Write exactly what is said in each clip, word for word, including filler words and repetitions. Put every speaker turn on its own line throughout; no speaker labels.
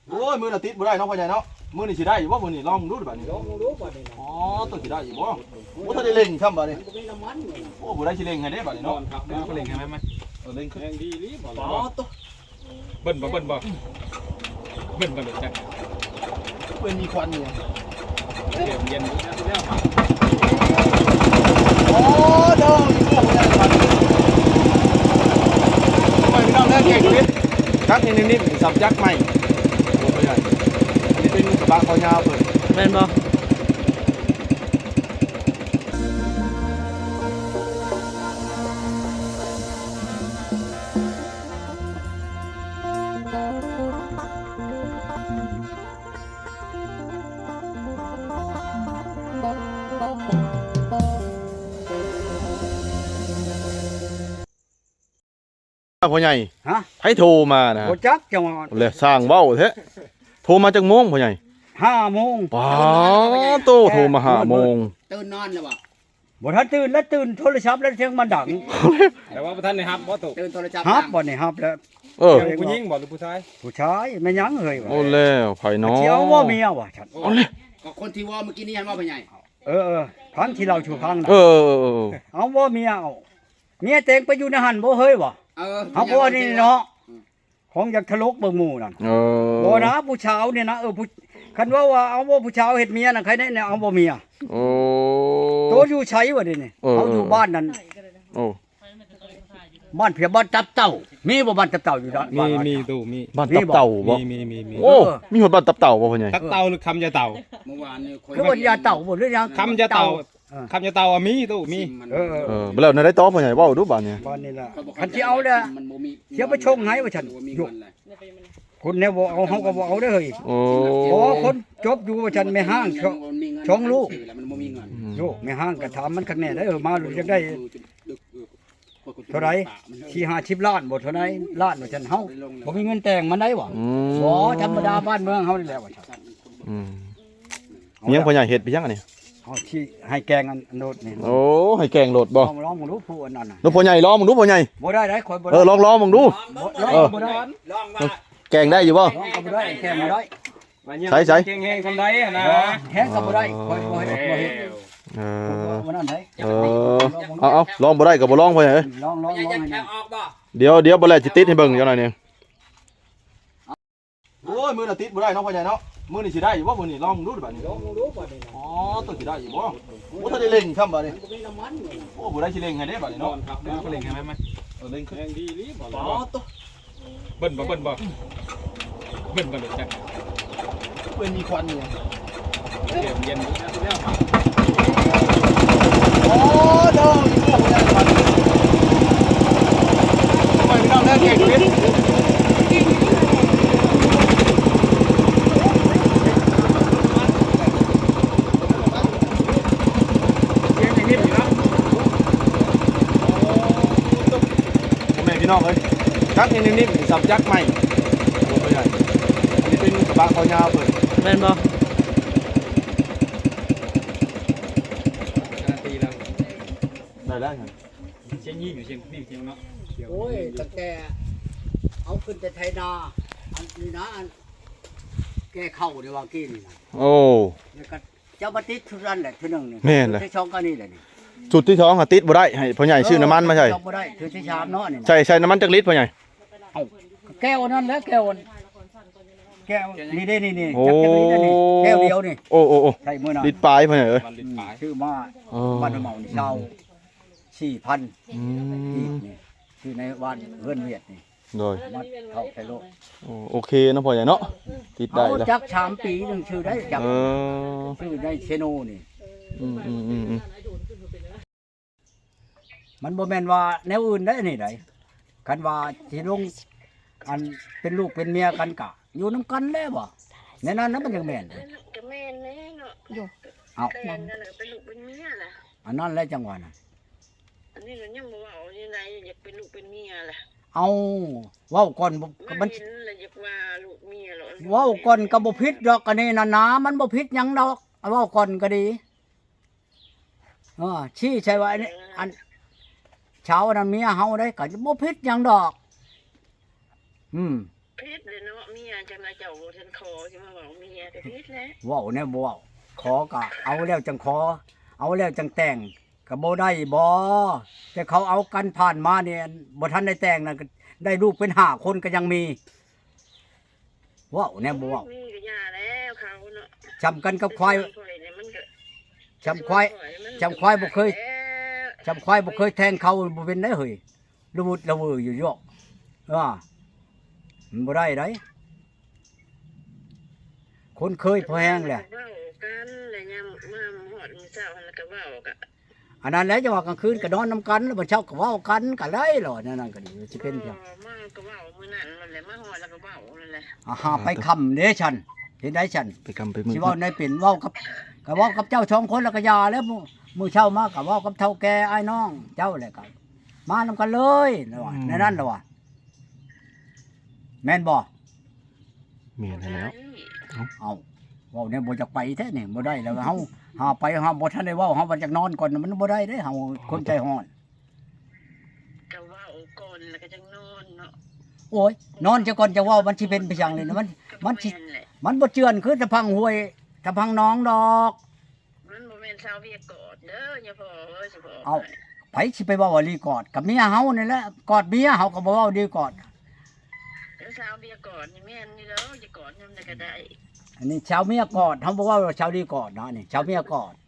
โอ้ยมือน่ะติดบ่ได้เนาะพ่อใหญ่เนาะมือนี่สิได้อยู่บ่มือนี่ลองดูดิบัดนี้
ลองดูบัดนี้นะ
อ๋อตัวสิได้อยู่บ่โอ้ถ้าได้เล่งช่ำบัดนี้
มันก็มีน้ำมันอยู่
โอ้บ่ได้สิเล่งให้เด้บัดนี้
นอ
เนาะ
นครับแล้วก็เล่งให้ไหมมัน
เออเล่งขึ้น
แรงดีรีบบอก
อ๋อตัว
เบิ้ลบ่เบิ้ลบ่เบิ้ลบ่เด็ดจัง
เพิ่นมีควันอยู่
เดี๋ยวเย็นแล้วแล้วมา
อ๋อเด้ออยู่บ่พ่อใหญ่บัดนี้ทำไมพี่น้องแน่เก่งนิดคักนิดๆสับยักษ์ใหม่โอ้พ่อใหญ่อันนี้เป็นกระบะคอยาวเพิ่น
แม่นบ่
พ่อใหญ่
ฮะ
ให้โทรมานะ
บ่จักจังหวะ
เลยสร้างเว้าแท้โทรมาจากโมงพ่อใหญ่
ห้าโมง
ป้าโตโทรมาหาโมง
ตื่นนอนแล้วบ่
บ่ทันตื่นแล้วตื่นโทรศัพท์แล้วเสียงมันดัง
แต่ว่าท่านนี่ครับบ่ถูก
ตื่นโทรศัพท์
ฮับบ่นี่ฮับแล้ว
เออ
ผู้หญิงบ่หรือผู้ชาย
ผู้ชายแม่ยังเฮ้ยว่ะ
โอ้แล้วไผน้อ
เชียวว่าเมียว่ะฉัน
เอาเลย
ก็คนที่ว่าเมื่อกี้นี้ยันว่าพ่อใหญ่
เออเออพังที่เราชูพังน่ะ
เออเออเออ
เอาว่าเมียเอาเมียแต่งไปอยู่ในหันบ่เฮ้ยว่ะ
เออ
เอาบ่นี่เนาะของอยากทะลกเบิ่งหมู่นั่น
เออ
บ่นะผู้ชาวเนี่ยนะเออผู้คันว่าว่าเอาว่าผู้ชาวเฮ็ดเมียน่ะใครได้เนี่ยเอาบ่เมีย
โอ้
โตอยู่ไสวะเดินี่
เออ
เขาอยู่บ้านนั่น
โอ้
บ้านเพียบ้านตับเต่ามีบ่บ้านตับเต่าอยู่ด้าน
มี
บ้าน
มีตู้มี
บ้านตับเต่าบ่
มีมีมีมี
โอ้มีหดบ้านตับเต่าบ่พ่อใหญ่
ตักเต่าหรือคำยาเต่า
เมื่อวานนี่คน
คือว่ายาเต่าบ่หรือยัง
คำยาเต่า
เออ
คำยาเต่าอะมีตู้มี
เออ
เออบ่แล้วในได้ต่อพ่อใหญ่เว้าดูบ้านเนี่ย
บ้านนี่ล่ะ
เขาบอก
คันสิเอาเด้อ
มันบ่มี
เสียไปชงให้ว่าฉัน
บ่มี
อยู่
เงินเลย
คนเนี่ยบ่เอาเฮาก็บ่เอาเด้อเฮ้ย
โอ้
โอ้คนจบอยู่ว่าฉันไม่ห้างชง
มันมีเงิน
ชงลูก
แล้วมันบ่มีเงิน
โยไม่ห้างก็ถามมันคักแน่ได้อเออมารู้จักได้เท่าไหร่สี่ห้าสิบล้านบ่เท่าไหร่ล้านว่าฉันเฮาบ่มีเงินแต่งมันได้บ่
อืม
บ่ธรรมดาบ้านเมืองเฮานี่แหละว่าฉัน
อืมเมียงพ่อใหญ่เฮ็ดไปยังอันนี้
เฮาที่ให้แกงอันโนดนี่
โอ้ให้แกงโหลดบ่
ลองลองมึงดูผู้อันนั้นน่ะ
ดูพ่อใหญ่ลองมึงดูพ่อใหญ่
บ่ได้ได้ข่อยบ่
เอ
ได้
อลองลองมึงดู
ลอง
เออ
บ่ได้
ลองว่า
แกงได้อยู่บ่
ลองก็บ่ได้แกงบ่ได้
ใช่ใช่
เก่งแห้งทำได้อะนะ
แฮงก็บ่ได้ข่อยบ่เฮ็ดบ่เฮ็ด
เออ
บ่นั่นได้
เออเอาเอาลองบ่ได้ก็บ่ลองพ่อใหญ่เอ้ย
ลองลอง
พ่อใหญ่
ลอง
จะ
ให้
แค่
นะ
ออกบ่
เดี๋ยวเดี๋ยวบ่แล้วสิติดให้เบิ่งจังหน่อยหนึงโอ้ยมือน่ะติดบ่ได้เนาะพ่อใหญ่เนาะมือนี่สิได้อยู่บ่มือนี่ลองดูดิบัดนี้
ลองดูบัดนี้นะ
อ๋อตัวสิได้อยู่บ่โอ้ถ้าได้เล่งช่ำบัดนี้
มันก็มีน้ำมันอยู่
โอ้บ่ได้สิเล่งให้เด้บัดนี้
นอ
เนาะ
นครับแล้วก็เล่งให้ไหมมัน
เออเล่งขึ้น
แรงดีรีบบอก
อ๋อตัว
เบิ้ลบ่เบิ้ลบ่เบิ้ลบ่เด็ดจัง
เพิ่นมีควันอยู่
เดี๋ยวเย็นแล้วแล้วมา
อ๋อเด้ออยู่บ่พ่อใหญ่บัดนี้ทำไมพี่น้องแน่เก่งนิดพ่อแม่พี่น้องเอ้ยคักนิดๆสับยักษ์ใหม่โอ้พ่อใหญ่อันนี้เป็นกระบะคอยาวเพิ่น
แม่นบ่
การันตีแล้ว
ได้แล้วครับ
เชียงยี่อยู่เชียงนี่เชียงเนาะ
โอ้ยตั้งแต่เอาขึ้นแต่ไทยนาอันนี้นะอันแก้เข้าในวางกี้นี่นะ
โอ้
แล้วก็เจ้าบัติดทุรันแหละทีหนึ่งนี่
แม่นเลย
ที่ช่องก็นี่แหละนี่
จุดที่ท้องอะติดบ่ได้ให้พ่อใหญ่ชื่อน้ำมันมาใช่
ช่องบ่ได้คือที่ชามเนาะนี่นะ
ใช่ใช่น้ำมันจักลิตรพ่อใหญ่
เอาแก้วนั่นแหล้วแก้วอันแก้วนี่ได้นี่นี่
โอ้
จักจักนี่นี่แก้วเดียวนี่
โอ้โอ้โอ้
ใช่มื้อนั้น
ลิตรปลายพ่อใหญ่เอ้ย
วันลิ้นปลาย
ชื่อมา
อ๋อ
บ้านเมานี่เช่าสี่พัน
อื
อี
ม
กนี่ชื่อในบ้านเฮือนเวียดนี่
โดย
มาเข้าไทยโลก
โอ้โอเคนะพ่อใหญ่เนาะติดได้
เอา
แล้ว
จักสามปีหนึงชื่อได้จัก
เออ
ชื่อได้เชโนนี่
อืมอืมอืมอืม
มันบ่แม่นว่าแนวอื่นได้นี่ไดคันว่าสิลงอันเป็นลูกเป็นเมียกันกะ อยู่นํกันแล้วบ่ในนั้นนะมันยังแม่น
ก็แม่นแน่เนาะอยู่
เอา
แต่งกันแล้วเป็นลูกเป็นเมียล่ะ
อันนั้นแหละจังหวะน่ะ
อันนี้ก็ยังบ่เว้ายังไงอยากเป็นลูกเป็นเมียล่ะ
เอาเว้าก่อนบ่
มั
มัน น
เห็นแล้วอยากว่าลูกเมียหรอ
เว้าก่อนก็บ่ผิดดอกอันนี้น่ะนะมันบ่ผิดหยังดอกเอาเว้าก่อนก็ดีเออชี้ใช่ว่าอันนี้อันเช้านั้นเมียเฮาได้ก็บ่ผิดหยังดอก อืม
พิษเลยเนาะเมียจังไดเจ้าบ่ทันขอสิมาบอกเมียก็พิษแล้ว
เว้าแน่บ่เว้าขอก็เอาแล้วจังขอ เอาแล้วจังแต่งก็บ่ได้บ่แต่เขาเอากันผ่านมาเนี่ยบ่ทันได้แต่งน่ะก็ได้ลูกเป็นห้าคนก็ยังมีเว้าแน่บ่เว้า
มีก็ย่าแล้วเขาเนาะ
จำกันกับควาย
เนี่ยมันก็
จำควายจำควายบ่เคยจำควายบ่เคยแทงเขาบ่เป็นได้เฮ้ยระวุดระเวออยู่ยอกว่ามันบ่ได้ไดคนเคยพอแห้งแหละ
เว้ากันแล้วยามมาฮอดมื้อเช้าหั่นแล้วก็เว้าก็
อันนั้นแหละจะว่ากลางคืนก็นอนนํกันแล้วบ่เช้าก็เว้ากันก็ได้หรอนั่นนั่นก็ดีสิเป็นเพียง
มาก็เว้ามื้อนั้นนั่นแหละมาฮอดแล้วก็เว้านั่นแหละ
อาหาไปคำเด้ฉันเห็นได้ฉัน
ไปกำไปมือ
สิเว้าในเป็นเว้ากับก็เว้ากับเจ้าสองคนแล้วก็ยาแล้วมื้อมื้อเช้ามาก็เว้ากับเฒ่าแก่อ้ายน้องเจ้าแหละก็มานํกันเลยแล้วว่าในนั้นแล้วว่าแม่นบ่
เมียนให้แล้ว
เอาเว้าเนี่ยบ่จักไปแท้นี่บ่ได้แล้วเฮาหาไปหาบ่ทันได้เว้าเฮาบ่จักนอนก่อนมันบ่ได้เด้เฮาคนใจร้อน
ก็เว้าก่อนแล้วก็จังนอนเนาะ
โอ้ยนอนจะก่อนจะเว้ามันสิเป็นไปจังเลยนะมันมันสิ
ก็บ่แแหละ
มันบ่เจือนคือตะพังห้วยตะพังน้องดอก
มันบ่แม่นชาวเวียดกอดเด้ออย่าพอเอ้ยสิพอ
เอา ไผสิไปเว้าว่าลีกอดกับเมียเฮานี่แหละกอดเมียเฮาก็บ่เว้าดีกอด
แล้วชาวเวียดกอดนี่แม่นนี่เด้ออย่ากอดนำได้ก็ได้
อันนี้ชาวเมียกอดเฮาบ่เว้าว่าชาวลีกอดเนาะนี่ชาวเมียกอด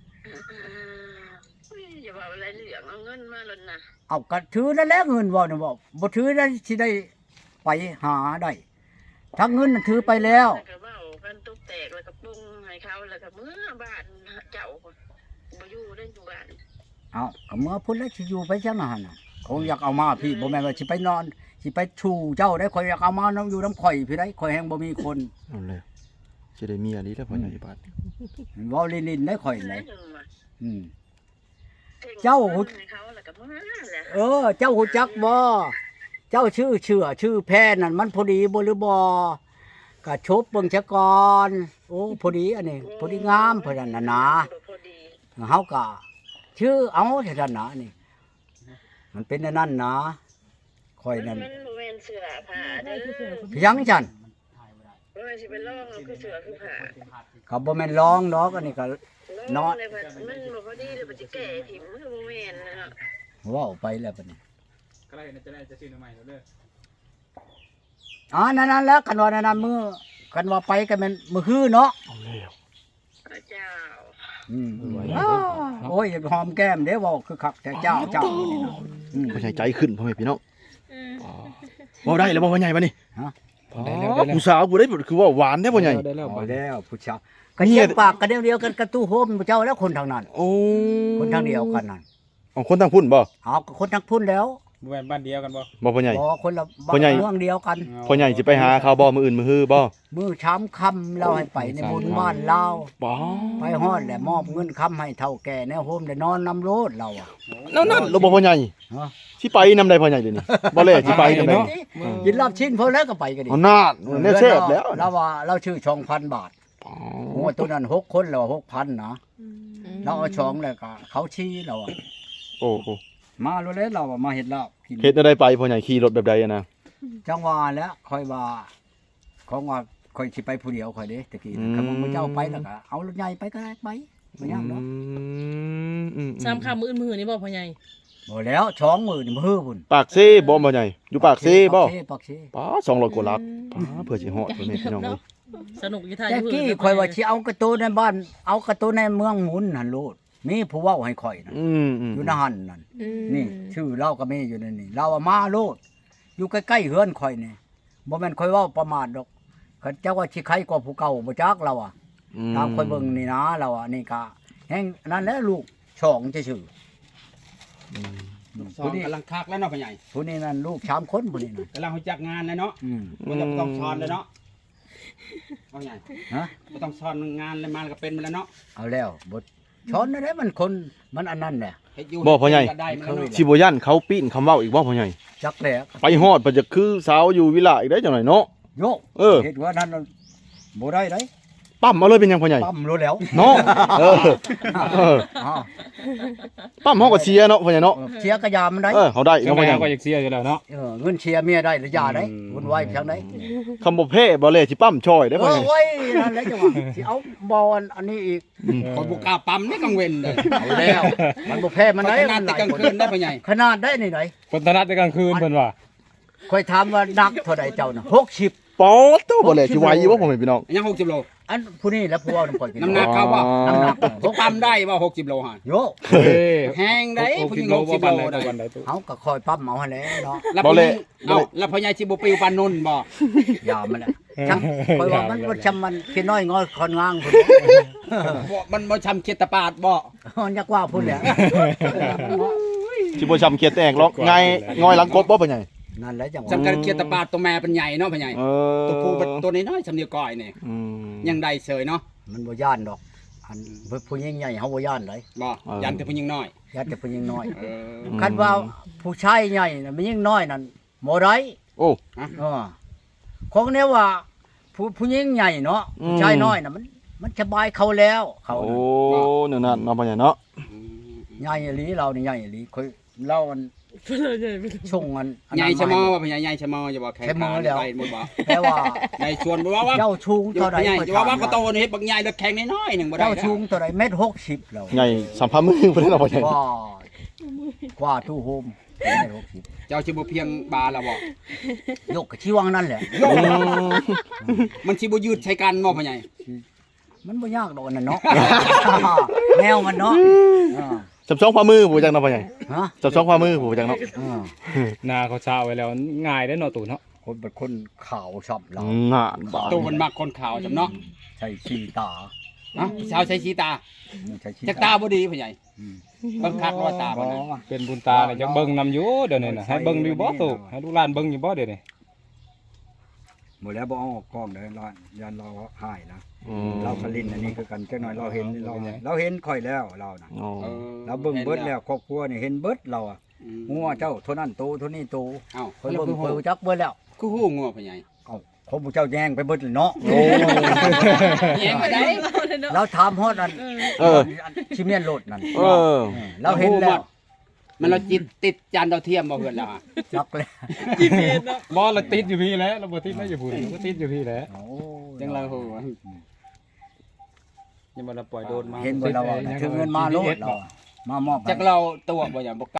อุ้ยอย่าว่าอะไรเหลืองเอาเงินมาแล้วนะ
เอาก็ถือนั่นแหละเงินเว้าน่ะบ่บ่ถือแล้วสิได้ไปหาได้ถ้าเงินน่ะถือไปแล้ว
แล้วก็เว้ากันตุกแตกแล้วก็ปรุงให้เขาแล้วก็เมื่อบ้านเจ้าบ่อยู่ได้อยู่บ้าน
เอาก็เมื่อพุ่นแล้วสิอยู่ไปจังหั่นน่ะคงอยากเอามาพี่บ่แม่นว่าสิไปนอนสิไปชูเจ้าได้ข่อยอยากเอามานํอยู่นํข่อยพี่ได้ข่อยแฮงบ่มีคน
เอาเลยสิได้เมียดีแล้วพ่อใหญ่บ้าน
เว้าลินๆได้ข่อย
ไหน
ได้
จังว่า
อืม
เจ้า
เจ้า
ให้เขาแล้วก็เมื่อแหละ
เออ เจ้าหูจักบ่เจ้าชื่อเชื่อชื่อแพทย์นั่นมันพอดีบ่หรือบ่ก็ชบเบิ่งซะก่อนโอ้พอดีอันนี้พอดีงามเพิ่นนั่นน่ะนะ
พอดี
เฮาก็ชื่อเอาเท่านั้นนะนี่มันเป็นอันนั้นนะค่อยนั่น
มันบ่แม่นเสื้อผ้าเด้อ
เพียงจัน
บ่แม่นสิไปลองเอาคือเสื้อคือผ้า
ก็บ่แม่นร้องดอกอันนี้ก็
ลองเลยมันมันบ่พอดีเลยมันสิแก้ถิ่มมันก็บ่แม่นนะเนาะ
เว้าไปแล้วบัดนี้
ก็ได้จะได้จะซื้อใหม่แล้วเด้อ
อ๋อนั่นๆแล้วกันว่านั่นๆมื้อกันว่าไปก็แม่นมื้อฮื้อเนาะ
เอาแล้ว
พระเจ้า
อืมอ้าวโอ้ยอย่าไปหอมแก้มเด้เว้าคือคักแต่เจ้าเจ้านี่นะอืม
พ่อใหญ่ใจขึ้นพ่อแม่พี่น้องเว้าได้แล้วบ่พ่อใหญ่บัดนี้
ฮะ
อ๋อผู้สาวผู้ใดคือว่าหวานแท้พ่อใหญ่
ได้แล้ว
เอา
บ่
แล้วผู้ชายก็เยี่ยมปากกันเดียวเดียวกันกระตู้โฮมเจ้าแล้วคนทางนั้น
โอ้
คนทางเดียวกันนั่น
เอาคนทางพุ่นบ่
เอาก็คนทางพุ่นแล้ว
บ่แม่นบ้านเดียวกันบ่
บ่พ่อใหญ่
บ่คนละ
พ่อใหญ่
เมืองเดียวกัน
พ่อใหญ่สิไปหาเขาบ่มื้ออื่นมื้อฮื้อบ่
มือช้ำคำเราให้ไปในบุญบ้านเรา
บ่
ไปฮอดแหละมอบเงินคำให้เท่าแก่แนวโฮมได้นอนนำโลดเราอะ
นั่นๆเราบ่พ่อใหญ่
ฮะ
สิไปนำได้พ่อใหญ่เดี๋ยวนี้บ่แลสิไปนำได้
กินรอบชิ้นพอแล้วก็ไปกันดิ
เอานาดแน่แซ่บแล้ว
เราว่าเราชื่อช่องพันบาท
อ๋อ
โอ้ตัวนั้นหกคนเราหกพันนะเราเอาช่องแล้วก็เขาชี้เราอะ
โอ้โอ้
มาโลดแล้วเราอะมาเห็ดลาบกิน
เฮ็ดได้ไปพ่อใหญ่ขี่รถแบบใดอะนะ
จังหวะแล้วค่อยว่าของว่าค่อยสิไปผู้เดียวค่อยเด้ตะกี้นะคำว่าพระเจ้าไปแล้วก็เอารถใหญ่ไปก็ได้ไปบ่ยากเนาะ
มอืม
สามคำมืออื่นมือนี่บอกพ่อใหญ่
บ่แล้วช่องมือนี่มือพุ่น
ปากเซ่บ่พ่อใหญ่อยู่ปากเซ่บ่
ปากเซ่ปากเซ่
ป้าสองร้อยกว่าลักป้าเพื่อสิฮอดพ่อแม่พี่น้องเอ้ย
สนุกอยู่ท่า
แต่
อยู่
กี้
เพิ่น
ค่อยว่าสิเอากระตูในบ้าน เอากระตูในเมืองหมุนหั่นโลดมีผู้เว้าให้ข่อยน่ะ
อืมอืม
อยู่ในหั่นนั่น
อืม
นี่ชื่อเราก็มีอยู่ในนี่เราอะมาโลดอยู่ใกล้ๆเฮือนข่อยนี่บ่แม่นข่อยเว้าประมาทดอกเขาเจ้าว่าสิใครกว่าผู้เก่าบ่จักเราอ่ะ ตามข่อยเบิ่งนี่นะเราอ่ะนี่ก็แฮงนั่นแหละลูกช่องซื่อ
อืม
ๆ
สอ
ผู้
ง
นี้
กำลังคักแล้วเนาะพ่อใหญ่
ผู้นี้นั่นลูกสามคนผู้นี้นั่น
กำลังรู้จักงานแล้วเนาะ
อืม
บ่ต้องต้องสอนเลยเนาะพ่อใหญ่
ฮะ
บ่ต้องสอนงานเลยมันก็เป็นมาแล้วเนาะ
เอาแล้วบ่ช้อนนั่นแหละมันคนมันอันนั้นแหละ
เฮ็ดอยู่
บ่พ่อใหญ่
ก็ได้มาแล้วเนาะ
สิบ่ยันเขาปีนคำเว้าอีกบ่พ่อใหญ่
จักแหละ
ไปฮอดเพิ่นจะคือสาวอยู่วิลาอีกได้จังได๋เนาะ
โยก
เออ
เฮ็ดว่านั้นน่ะบ่ได้ได
ไปปั๊มเอาเลยเป็นหยังพ่อใหญ่
ปั๊มรู้แล้ว
เนาะเออเออ
อ้าว
ปั๊มเฮาก็เชียร์เนาะพ่อใหญ่เนาะ
เชียร์กระยามันได้
เออเฮาได้
จัง
เนาะ
ได๋
พ่อใหญ่
ก็อยากเสียอยู่แล้วเนาะ
เออเงินเชียร์เมียได้หรือยาได้
อืม
วุ่นวายเพียงได
คำบ่เพ่บ่เลยสิปั๊มช่อยได้
เอ
พ่อ
อ
ใหญ่
ไว้นั่นแหละจังหวะสิเอาบอลอันนี้อีก
คนบ่กล้าปั๊มในกลางเว้นเลย
เอาแล้วมันบ่แพ้มันได้
ขนาดแต่กลางคืนได้พ่อใหญ่
ขนาดได้นี่ไหน
คนถนัดในกลางคืนเพิ่นว่า
ค่อยถามว่านักเท่าใดเจ้าน่ะหกสิบ
ป๊อดโตบ่เลยสิไหวอยู่บ่พ่อแม่พี่น้อง
ยังหกสิบโล
อันผู้นี้แหล้วผู้เอาน้ำก่อยกิน
น้ำหนักเขาบ่
น้ำหนัก
พกปั๊มได้บ่หกสิบโลหั่น
โย
เฮ้ย
แห้งได้ผู้หญิงหกสิบโลได้
วันใดตัว
เฮาก็คอยปั๊มเอาให้แล้วเนาะ
แล้วผู้หญิงเอ้าแล้วพ่อใหญ่สิบ่ปิวปานนุ่นบ่
ยามันแหละจังคอยว่ามันบ่ชำมันขี้น้อยงอยคอนงางพุ่น
บ่มันบ่ชำเขียดตะปาดบ่
มันอยากว่าพุ่นแหละ
สิบ่ช้ำเขียดแตกหรอกไงงอยหลังกบบ่พ่อใหญ่
นั่นแหละจังหวะ
สำคัญเขียดตะปาดตัวแม่เป็นใหญ่เนาะพ่อใหญ่
เออ
ตัวผู้เป็นตัวน้อยๆสำเนียงก้อยนี่
อืม
ยังได้เสยเนาะ
มันบ่ย่านดอก อันผู้หญิงใหญ่เฮาบ่ย่านเลย
บ่ยันแต่ผู้หญิงน้อย
ย่านแต่ผู้หญิงน้อย
เออ
คันว่าผู้ชายใหญ่น่ะมันยิ่งน้อยนั่นบ่ได้
โอ้
เออของเนี้ยว่าผู้ผู้หญิงใหญ่เนาะ
อืม
ผู้ชายน้อยน่ะมันมันสบายเขาแล้วเขา
โอ้
น่ะ
นั่นน่ะเนาะพ่อใหญ่เนาะ
ใหญ่อีหลีเรานี่ใหญ่อีหลีค่อยเล่ามัน
เพิ่นเลยใหญ่ไป
ช่วงอันอัน
ใหญ่
นั้น
ชะมอ
มา
ว่าพ่อใหญ่ใหญ่ชะมออย่าบอกแข่ง
แค่มื
ขา
อแล้ว
ไปหมดบ่
แต่ว่า
ใหญ่ชวนบ่ว่าว่า
เจ้าชูง
อยู่
เท่าใด
ใหญ่
ค่อย
จะว่าว่า
ถาม
ก็โตนี่เฮ็ดบักใหญ่แล้วแข่งน้อยๆหนึงบ่ได้
เจ้า
นะ
ชูงเท่าใดเม็ดหกสิบแล้ว
ใหญ่สัมภาระมือเพิ่นเนาะพ่อใหญ่
ว่ากว่าตู้โฮมเม็ดหกสิบ
เจ้าสิบ่เพียงบาแล้วบ่
ยกกะชีวังนั่นแหละ
อืม
มันสิบ่ยืดใช้กันบ่พ่อใหญ่
มันบ่ยากดอกอันนั่นเนาะ แนวมันเนาะอ่า
จับช่องความมือผู้จังเนาะพ่อใหญ่
ฮะ
จับช่องความมือผู้จังเนาะ
อ่า
หน้าเขาเช้าไว้แล้วง่ายได้อเนาะตู่เนาะ
คนเป็นคนขาวชอบเรา
งานบาด
ตัวมันมักคนขาวจำเนาะ
ใช้ชีตา
เนาะชาวใช้ชีตา
ใช้ชี
จักตาบ่ดีพ่อใหญ่เบิ่งคักรอยตาบ่นะ
เป็นบุญตาเนี่ยจักเบิ่งนำอยู่เดี๋ยวนี้น่ะให้เบิ่งอยู่บ่ตู่ให้ลูกหลานเบิ่งอยู่บ่เดี๋ยวนี้
หมดแล้วบ่เอาออกกล้องเด้อร้านยันเราหายนะ
อืม
เราผลินอันนี้คือกันจักหน่อยเราเห็นเราเราเห็นค่อยแล้วเรานะ
โอ้
ออ
เราเบิ่งเบิดแล้วครอบครัวนี่เห็นเบิดเราอ่ะ
อืม
งัวเจ้าเท่านั้นโตเท่านี้โต
เอ้า
คอย
แล้ว
เบิ่ง
คือ
ค
ฮู้
อยจักเบิดแล้ว
คือฮู้งัวพ่อใหญ่
เอ้าเขาผู้เจ้าแย่งไปเบิดเลยเนาะ
โอ้
แย่งไปได้
เราถามฮอดอัน
เออ
ชิเมียนโลดนั่น
เออ
เออเราเห็นแล้ว
มันเราจิตติดจานดาวเทียมบ่เพิ่นแล้วอะ
จักแล้ว
จีพีเอสเนาะ
บ่เราติดอยู่พี่แหล้วเราบ่ติดไม่อยู่พุ่นเราก็ติดอยู่พี่แหล้ว
โอ้
จังเราฮู้
ยังบ่เราปล่อยโดนมา
เห็นบ่เราว่าถึงเงินมาโลดเราอะมามอบให้
จักเราตัวบ่อย่างบ่